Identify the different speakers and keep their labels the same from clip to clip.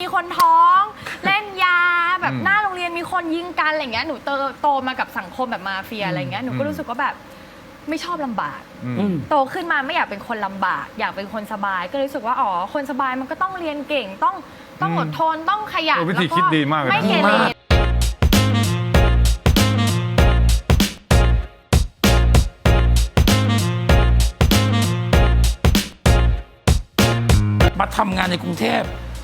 Speaker 1: คนท้องเล่นยาแบบหน้าโรงเรียนมีคนยิงกันอะไรเงี้ยหนูโตมากับสังคมแบบมาเฟียอะไรเงี้ยหนูก็รู้สึกว่าแบบไม่ชอบลำบากโตขึ้นมาไม่อยากเป็นคนลำบากอยากเป็นคนสบายก็รู้สึกว่าอ๋อคนสบายมันก็ต้องเรียนเก่งต้องอดทนต้องขยัน
Speaker 2: วิธีคิดดีมากเลยนะ
Speaker 1: ไม่เกเร
Speaker 3: มาทำงานในกรุงเทพ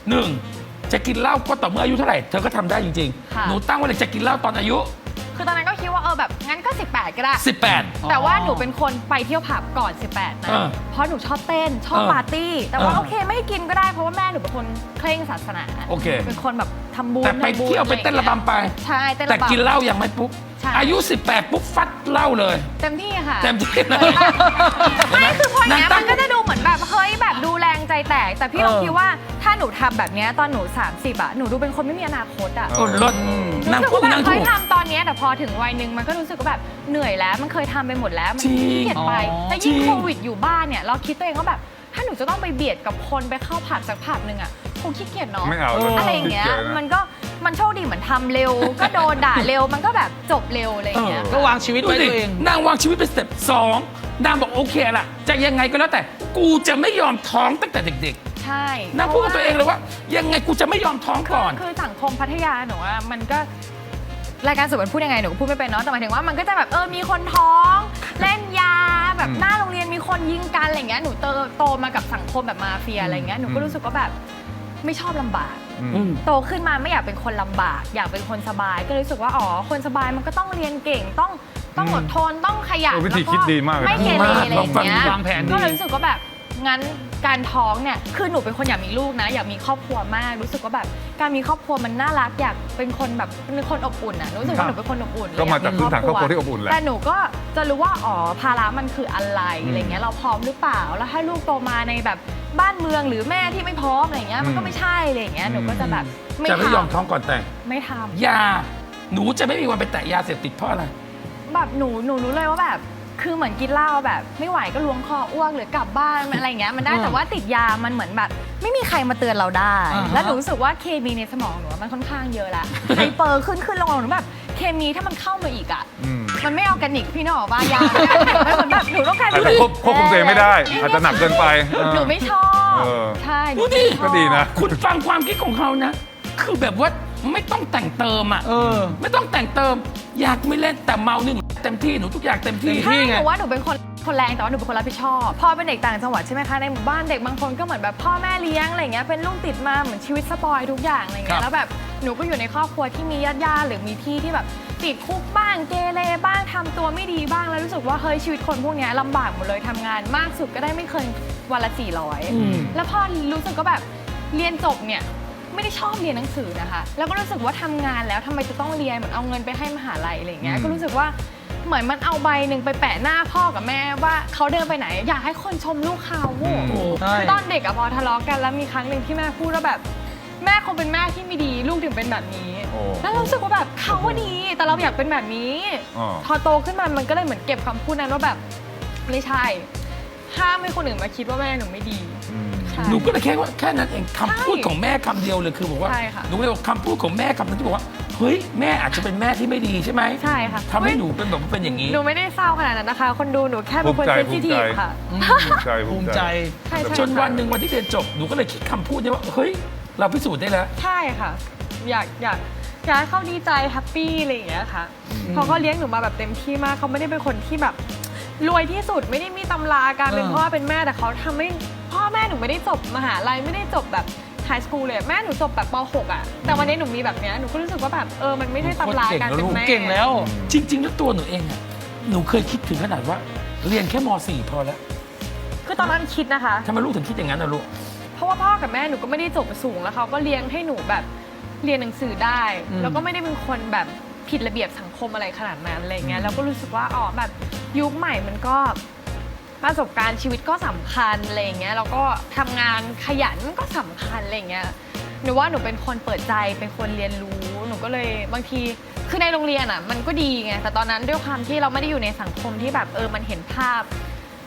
Speaker 3: 1จะกินเหล้าก็ต่อเมื่ออายุเท่าไหร่เธอก็ทำได้จริงๆหนูตั้งไว้เลยจะกินเหล้าตอนอายุ
Speaker 1: คือตอนนั้นก็คิดว่าแบบงั้นก็18ก็ได้
Speaker 3: 18
Speaker 1: แต่ว่าหนูเป็นคนไปเที่ยวผับก่อน18นะเพราะหนูชอบเต้นชอบปาร์ตี้แต่ว่าโอเคไม่ให้กินก็ได้เพราะว่าแม่หนูเป็นคนเคร่งศาสนา
Speaker 3: โอเค
Speaker 1: เป็นคนแบบทำบุญ
Speaker 3: แต่ไปเที่ยวไปเต้นระบำไป
Speaker 1: ใช่เต้นระบำ
Speaker 3: แต่กินเหล้ายังไม่ปุ๊บอายุ18ปุ๊บฟัดเหล้าเลย
Speaker 1: เต็มที่ค่ะ
Speaker 3: เต็มที่เลย
Speaker 1: ไม่คือพออย่างนี้มันก็จะดูเหมือนแบบเฮ้ยแบบดูแรงใจแตกแต่พี่ลองคิดว่าถ้าหนูทำแบบนี้ตอนหนู30อ่ะหนูดูเป็นคนไม่มีอนาคตอ่ะ
Speaker 3: รถนั่งพูดนั่งถูก
Speaker 1: เคยทำตอนนี้แต่พอถึงวัยหนึ่งมันก็รู้สึกว่าแบบเหนื่อยแล้วมันเคยทำไปหมดแล้วมันขี้เกียจไปแต่ยิ่งโควิดอยู่บ้านเนี่ยเราคิดตัวเองว่าแบบถ้าหนูจะต้องไปเบียดกับคนไปเข้าผับสักผับหนึ่งอ่ะคงขี้เกียจเนาะอะไรอย่างเงี้ยมันโชคดีเหมือนทำเร็วก็โดนด่าเร็วมันก็แบบจบเร็วอะไรอย่างเงี้ย
Speaker 4: ก็วางชีวิตไว้ตัวเอง
Speaker 3: นางวางชีวิตเป็นสเต็ป2นางบอกโอเคล่ะจะยังไงก็แล้วแต่กูจะไม่ยอมท้องตั้งแต่เด็ก
Speaker 1: ๆใช่
Speaker 3: นางพูดกับตัวเองเลยว่ายังไงกูจะไม่ยอมท้องก่อน
Speaker 1: คือสังคมพัทยาหนูว่ามันก็รายการสุดมันพูดยังไงหนูก็พูดไม่เป็นเนาะแต่หมายถึงว่ามันก็จะแบบมีคนท้องเล่นยาแบบหน้าโรงเรียนมีคนยิงกันอะไรเงี้ยหนูโตมากับสังคมแบบมาเฟียอะไรเงี้ยหนูก็รู้สึกว่าแบบไม่ชอบลำบากโตขึ้นมาไม่อยากเป็นคนลำบากอยากเป็นคนสบายก็รู้สึกว่าอ๋อคนสบายมันก็ต้องเรียนเก่งต้องอดทนต้องขยัน
Speaker 2: วิธีคิดดีมากเลยนะ
Speaker 1: ไม่เกเรอะไรอย่างเงี้ยว
Speaker 4: างแผนดี
Speaker 1: ก็เลยรู้สึกว่าแบบงั้นการท้องเนี่ยคือหนูเป็นคนอยากมีลูกนะอยากมีครอบครัวมากรู้สึกว่าแบบการมีครอบครัวมันน่ารักอยากเป็นคนแบบเป็นคนอบอุ่นอ่ะรู้สึกว่าหนูเป็นคนอบอุ่น
Speaker 2: ก็มาจากพื้นฐานครอบครัวที่อบอุ่นแหละ
Speaker 1: แต่หนูก็จะรู้ว่าอ๋อภาระมันคืออะไรอะไรเงี้ยเราพร้อมหรือเปล่าแล้วถ้าลูกโตมาในแบบบ้านเมืองหรือแม่ที่ไม่พร้อมอะไรเงี้ยมันก็ไม่ใช่อะไรเงี้ยหนูก็จะแบบ
Speaker 3: จะไม่ยอมท้องก่อนแต่ง
Speaker 1: ไม่ทำ
Speaker 3: ยาหนูจะไม่มีวันไปแตะยาเสพติดเพราะอะไร
Speaker 1: แบบหนูรู้เลยว่าแบบคือเหมือนกินเหล้าแบบไม่ไหวก็ล้วงคออ้วกหรือกลับบ้านอะไรอย่างเงี้ยมันได้แต่ว่าติดยามันเหมือนแบบไม่มีใครมาเตือนเราได้แล้วหนูรู้สึกว่าเคมีในสมองหนูมันค่อนข้างเยอะละไฮเปอร์ขึ้นลงหนูแบบเคมีถ้ามันเข้ามาอีกอ่ะมันไม่ออร์แกนิกพี่นึกออกป่ะยาเหมือนแบบหนูต้องการ
Speaker 2: ควบคุมตัวเองไม่ได้อาจจะหนักเกินไป
Speaker 1: หนูไม่ชอบใช่
Speaker 3: ดูดิ
Speaker 2: ก็ดีนะ
Speaker 3: คุณฟังความคิดของเขานะคือแบบว่าไม่ต้องแต่งเติมอ่ะไม่ต้องแต่งเติมอยากไม่เล่นแต่เมาหนึ่งเต็มที่หนูทุกอย่างเต็มที่
Speaker 1: ใช่หนูว่าหนูเป็นคนแรงแต่ว่าหนูเป็นคนรับผิดชอบพ่อเป็นเด็กต่างจังหวัดใช่ไหมคะในหมู่บ้านเด็กบางคนก็เหมือนแบบพ่อแม่เลี้ยงอะไรเงี้ยเป็นลูกติดมาเหมือนชีวิตสปอยทุกอย่างอะไรเงี้ยแล้วแบบหนูก็อยู่ในครอบครัวที่มีญาติหรือมีพี่ที่แบบติดคุกบ้างเกเรบ้างทำตัวไม่ดีบ้างแล้วรู้สึกว่าเฮ้ยชีวิตคนพวกนี้ลำบากหมดเลยทำงานมากสุดก็ได้ไม่เคยวันละ400แล้วพอรู้สึกก็แบบเรียนจบเนี่ยไม่ได้ชอบเรียนหนังสือนะคะแล้วก็รู้สึกว่าทำงานแล้วทำไมจะต้องเรียนเหมือนเอาเงินไปให้มหาลัยอะไรเงี้ยก็รู้สึกว่าเหมือนมันเอาใบหนึ่งไปแปะหน้าพ่อกับแม่ว่าเขาเดินไปไหนอยากให้คนชมลูกเขาคือตอนเด็กอะพอทะเลาะกันแล้วมีครั้งหนึ่งที่แม่พูดว่าแบบแม่คงเป็นแม่ที่ไม่ดีลูกถึงเป็นแบบนี้แล้วเรารู้สึกว่าแบบเขาว่าดีแต่เราอยากเป็นแบบนี้พอโตขึ้นมามันก็เลยเหมือนเก็บคำพูดนั้นว่าแบบไม่ใช่ห้ามให้คนอื่นมาคิดว่าแม่หนูไม่ดี
Speaker 3: หนูก็เลยแค่นั้นเองคำพูดของแม่คำเดียวเลยคือบอกว่าหนูเลยบอกคำพูดของแม่คำนั้นที่บอกว่าเฮ้ยแม่อาจจะเป็นแม่ที่ไม่ดีใช่ไหม
Speaker 1: ใช่ค่ะ
Speaker 3: ทำให้หนูเป็นแบบเป็นอย่างนี้
Speaker 1: หนูไม่ได้เศร้าขนาดนั้นนะคะคนดูหนูแค่เป็นคนเซนซิทีฟค่ะ
Speaker 2: ภูมิใจ
Speaker 3: จนวันหนึ่งวันที่เรียนจบหนูก็เลยคิดคำพูดนี้ว่าเฮ้ยเราพิสูจน์ได้แล้ว
Speaker 1: ใช่ค่ะอยากให้เขาดีใจแฮปปี้อะไรอย่างเงี้ยค่ะเขาก็เลี้ยงหนูมาแบบเต็มที่มากเขาไม่ได้เป็นคนที่แบบรวยที่สุดไม่ได้มีตำราการเป็นพ่อเป็นแม่แต่เขาทำให้พ่อแม่หนูไม่ได้จบมหาลัยไม่ได้จบแบบไฮสคูลเลยแม่หนูจบแบบป .6 อ่ะแต่วันนี้หนูมีแบบเนี้ยหนูก็รู้สึกว่าแบบมันไม่ได้ตำราการเป็นแม่
Speaker 4: เก่งแล้ว
Speaker 3: จริงๆแล้วตัวหนูเองอ่ะหนูเคยคิดถึงขนาดว่าเรียนแค่ม .4 พอแล้ว
Speaker 1: คือตอนนั้นคิดนะคะ
Speaker 3: ทำไมลูกถึงคิดอย่างนั้นนะลูก
Speaker 1: เพราะว่าพ่อกับแม่หนูก็ไม่ได้จบสูงแล้วเขาก็เลี้ยงให้หนูแบบเรียนหนังสือได้แล้วก็ไม่ได้เป็นคนแบบผิดระเบียบสังคมอะไรขนาดนั้นอะไรเงี้ยแล้วก็รู้สึกว่าแบบยุคใหม่มันก็ประสบการณ์ชีวิตก็สำคัญอะไรเงี้ยแล้วก็ทำงานขยันก็สำคัญอะไรเงี้ยหนูว่าหนูเป็นคนเปิดใจเป็นคนเรียนรู้หนูก็เลยบางทีคือในโรงเรียนอ่ะมันก็ดีไงแต่ตอนนั้นด้วยความที่เราไม่ได้อยู่ในสังคมที่แบบมันเห็นภาพ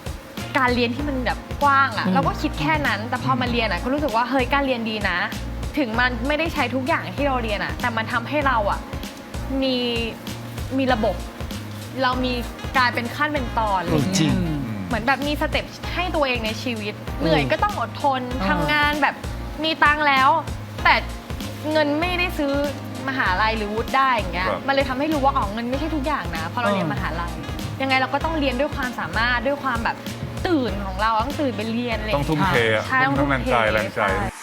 Speaker 1: การเรียนที่มันแบบกว้างอ่ะเราก็คิดแค่นั้นแต่พอมาเรียนอ่ะก็รู้สึกว่าเฮ้ยการเรียนดีนะถึงมันไม่ได้ใช้ทุกอย่างที่เราเรียนอะแต่มันทำให้เราอะมีระบบ เรามีกลายเป็นขั้นเป็นตอนอะไรอย่าง
Speaker 3: จริ
Speaker 1: เงี้
Speaker 3: ง
Speaker 1: ยเหมือนแบบมีสเต็ปให้ตัวเองในชีวิต เหนื่อยก็ต้องอดทนทำงานแบบมีตังค์แล้ว แต่เงินไม่ได้ซื้อมหาลัยหรือวุฒิได้อย่างเงี้ย
Speaker 2: ครับ
Speaker 1: มันเลยทำให้รู้ว่าอ๋อเงินไม่ใช่ทุกอย่างนะพอเราเรียนมหาลัยยังไงเราก็ต้องเรียนด้วยความสามารถด้วยความแบบตื่นของเราต้องตื่นไปเรียนอะไร
Speaker 2: ต้องทุ่มเทอะ
Speaker 1: ใช่ต้อง
Speaker 2: ทั้
Speaker 1: ทุ่
Speaker 2: ง
Speaker 1: ม
Speaker 2: แรง
Speaker 1: เท
Speaker 2: กายแรงใจ
Speaker 1: ช่